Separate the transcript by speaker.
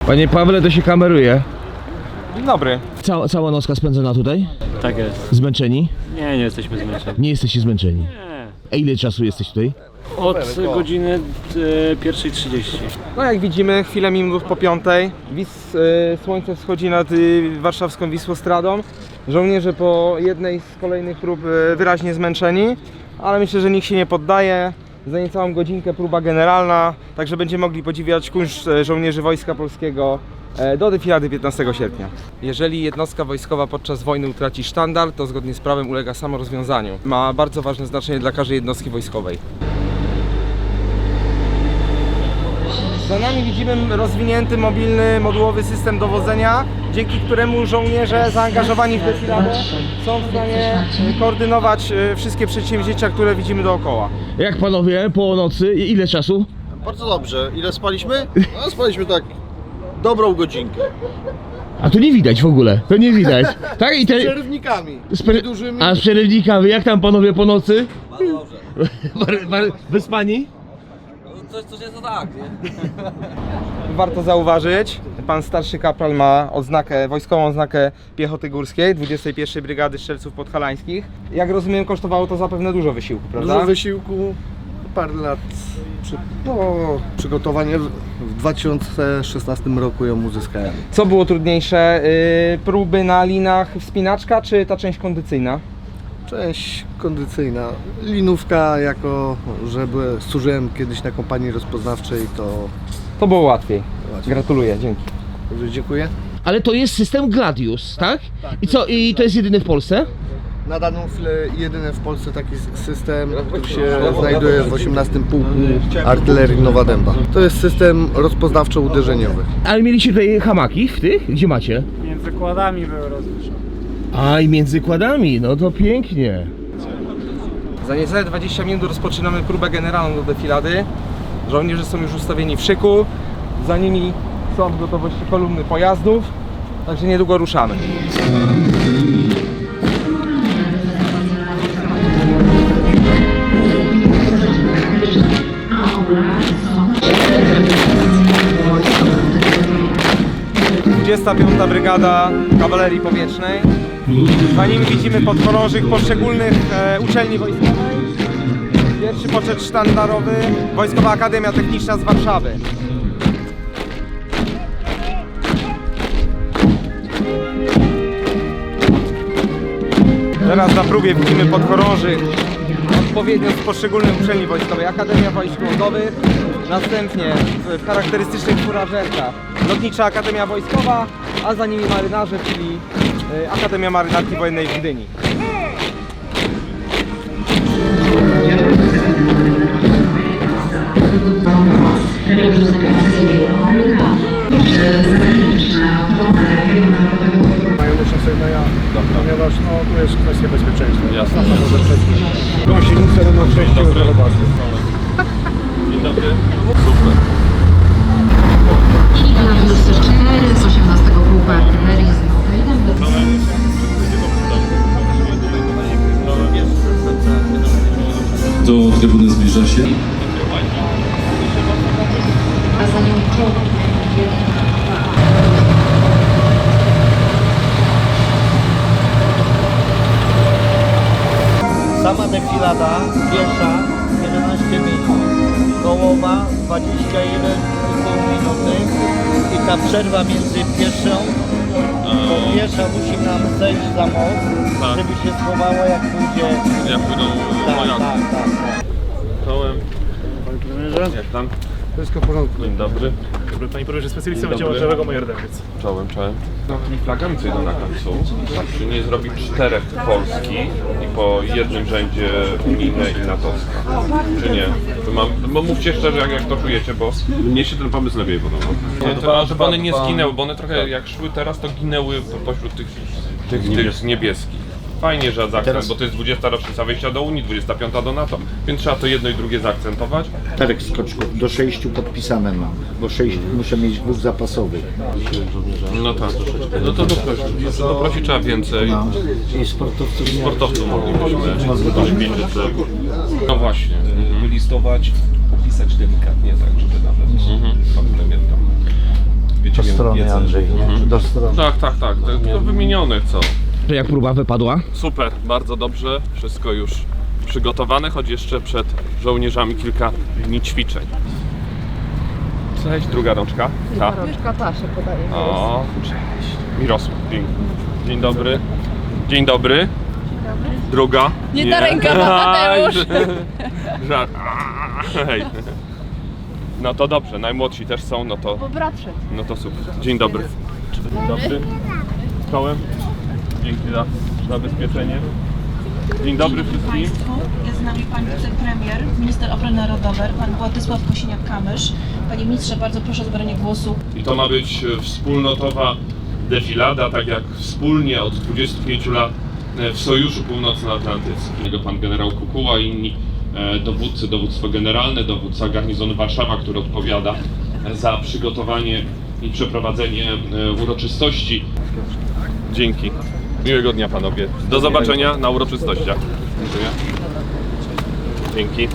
Speaker 1: Panie Pawle, to się kameruje.
Speaker 2: Dzień dobry.
Speaker 1: Cała nocka spędzona tutaj?
Speaker 3: Tak jest.
Speaker 1: Zmęczeni?
Speaker 3: Nie jesteśmy zmęczeni.
Speaker 1: Nie jesteście zmęczeni?
Speaker 3: Nie.
Speaker 1: A ile czasu jesteś tutaj?
Speaker 3: Od godziny 1:30.
Speaker 2: No jak widzimy, chwilę minut po 5. Słońce wschodzi nad warszawską Wisłostradą. Żołnierze po jednej z kolejnych prób wyraźnie zmęczeni, ale myślę, że nikt się nie poddaje. Za niecałą godzinkę próba generalna, także będziemy mogli podziwiać kunszt żołnierzy Wojska Polskiego do defilady 15 sierpnia. Jeżeli jednostka wojskowa podczas wojny utraci sztandar, to zgodnie z prawem ulega samorozwiązaniu. Ma bardzo ważne znaczenie dla każdej jednostki wojskowej. Za nami widzimy rozwinięty, mobilny, modułowy system dowodzenia, dzięki któremu żołnierze zaangażowani w defiladę są w stanie koordynować wszystkie przedsięwzięcia, które widzimy dookoła.
Speaker 1: Jak panowie, po nocy, ile czasu?
Speaker 4: Bardzo dobrze. Ile spaliśmy? No, spaliśmy tak dobrą godzinkę.
Speaker 1: A tu nie widać w ogóle, to nie widać. Tak? I
Speaker 4: Z przerywnikami. Dużymi.
Speaker 1: A z przerywnikami, jak tam panowie po nocy? Bardzo dobrze. Wyspani?
Speaker 5: Coś jest tak, nie?
Speaker 2: Warto zauważyć, pan starszy kapral ma odznakę, wojskową odznakę piechoty górskiej 21 Brygady Strzelców Podhalańskich. Jak rozumiem, kosztowało to zapewne dużo wysiłku, prawda?
Speaker 4: Dużo wysiłku, parę lat przygotowanie. W 2016 roku ją uzyskałem.
Speaker 2: Co było trudniejsze, próby na linach wspinaczka czy ta część kondycyjna?
Speaker 4: Część kondycyjna. Linówka, jako że służyłem kiedyś na kompanii rozpoznawczej,
Speaker 2: To było łatwiej.
Speaker 4: Łatwiej.
Speaker 2: Gratuluję, dzięki.
Speaker 4: Dobrze, dziękuję.
Speaker 1: Ale to jest system Gladius, tak? I co, i to jest jedyny w Polsce?
Speaker 4: Na daną chwilę jedyny w Polsce taki system, który się znajduje w 18 Pułku Artylerii Nowa Dęba. To jest system rozpoznawczo-uderzeniowy.
Speaker 1: Ale mieliście tutaj hamaki w tych? Gdzie macie?
Speaker 3: Między kładami były rozliczone.
Speaker 1: A i między kładami, no to pięknie.
Speaker 2: Za niecałe 20 minut rozpoczynamy próbę generalną do defilady. Żołnierze są już ustawieni w szyku, za nimi są w gotowości kolumny pojazdów, także niedługo ruszamy. Piąta Brygada Kawalerii Powietrznej. Za nimi widzimy podchorążych poszczególnych uczelni wojskowych. Pierwszy poczet sztandarowy, Wojskowa Akademia Techniczna z Warszawy. Teraz na próbie widzimy podchorążych odpowiednio z poszczególnych uczelni wojskowych. Akademia Wojsk Lądowych, następnie w charakterystycznych furażerkach Lotnicza Akademia Wojskowa, a za nimi marynarze, czyli Akademia Marynarki Wojennej w Gdyni.
Speaker 4: Mają doświadczenia, ponieważ tu jest kwestia bezpieczeństwa.
Speaker 5: Jasne.
Speaker 4: Gąsienicę będą częścią bazy.
Speaker 5: Dzień dobry. Super.
Speaker 6: Gladius 4 z 18 Pułku Artylerii z Nowego.
Speaker 7: Do trybuny zbliża się.
Speaker 6: A za nią czołg.
Speaker 8: Sama defilada piesza 11 minut, kołowa 21,5 minuty i ta przerwa między pieszą, bo piesza musi nam zejść za most,
Speaker 5: Tak.
Speaker 8: żeby się schowała jak pójdzie.
Speaker 5: Jak pójdą
Speaker 8: Tak.
Speaker 5: Czołem. Jak tam?
Speaker 4: Wszystko w porządku.
Speaker 5: Dzień dobry.
Speaker 9: Panie Premierze, specjalista
Speaker 5: Dzień
Speaker 9: Wydziału
Speaker 5: dobry.
Speaker 9: Lotniczego Majerdewiec.
Speaker 5: Czołem. Tymi flagami, co idą na końcu, czy nie zrobić 4 Polski i po jednym rzędzie unijne i natowska? Czy nie? Bo mówcie szczerze, jak to czujecie, bo
Speaker 7: Mnie się ten pomysł lepiej podobał.
Speaker 5: żeby one nie zginęły, bo one trochę jak szły teraz, to ginęły pośród tych niebieskich. Fajnie, że zaakcent, bo to jest 20. rocznica wejścia do Unii, 25. do NATO, więc trzeba to jedno i drugie zaakcentować.
Speaker 10: Czterech skoczków, do 6 podpisane mam, bo 6 muszę mieć 2 zapasowych.
Speaker 5: No tak, no to doprosić trzeba więcej.
Speaker 10: No. I sportowców
Speaker 5: Moglibyśmy dośpić, że... No właśnie.
Speaker 11: Wylistować, opisać delikatnie tak, żeby nawet pan premier tam
Speaker 7: wiecie,
Speaker 10: Do strony,
Speaker 7: wiedzę.
Speaker 10: Andrzej. Do strony.
Speaker 5: Tak, tylko wymienione co.
Speaker 1: Jak próba wypadła?
Speaker 5: Super, bardzo dobrze, wszystko już przygotowane, choć jeszcze przed żołnierzami kilka dni ćwiczeń. Cześć, druga rączka. Ta.
Speaker 11: Rączka ta się podaje.
Speaker 5: O, cześć. Mirosław, pięknie. Dzień dobry. Dzień dobry. Druga.
Speaker 11: Nie ta ręka, to Mateusz.
Speaker 5: Żart. Hej. No to dobrze, najmłodsi też są,
Speaker 11: Bo brat szedł.
Speaker 5: no to super. Dzień dobry. Dzień dobry. Kołem. Dzięki za zabezpieczenie. Dzień dobry wszystkim.
Speaker 12: Jest z nami pan wicepremier, minister obrony narodowej, pan Władysław Kosiniak-Kamysz. Panie ministrze, bardzo proszę o zabranie głosu.
Speaker 5: I to ma być wspólnotowa defilada, tak jak wspólnie od 25 lat w Sojuszu Północnoatlantyckim. Pan generał Kukuła i inni dowódcy, dowództwo generalne, dowódca garnizonu Warszawa, który odpowiada za przygotowanie i przeprowadzenie uroczystości. Dzięki. Miłego dnia panowie. Do zobaczenia na uroczystościach. Dziękuję. Dzięki.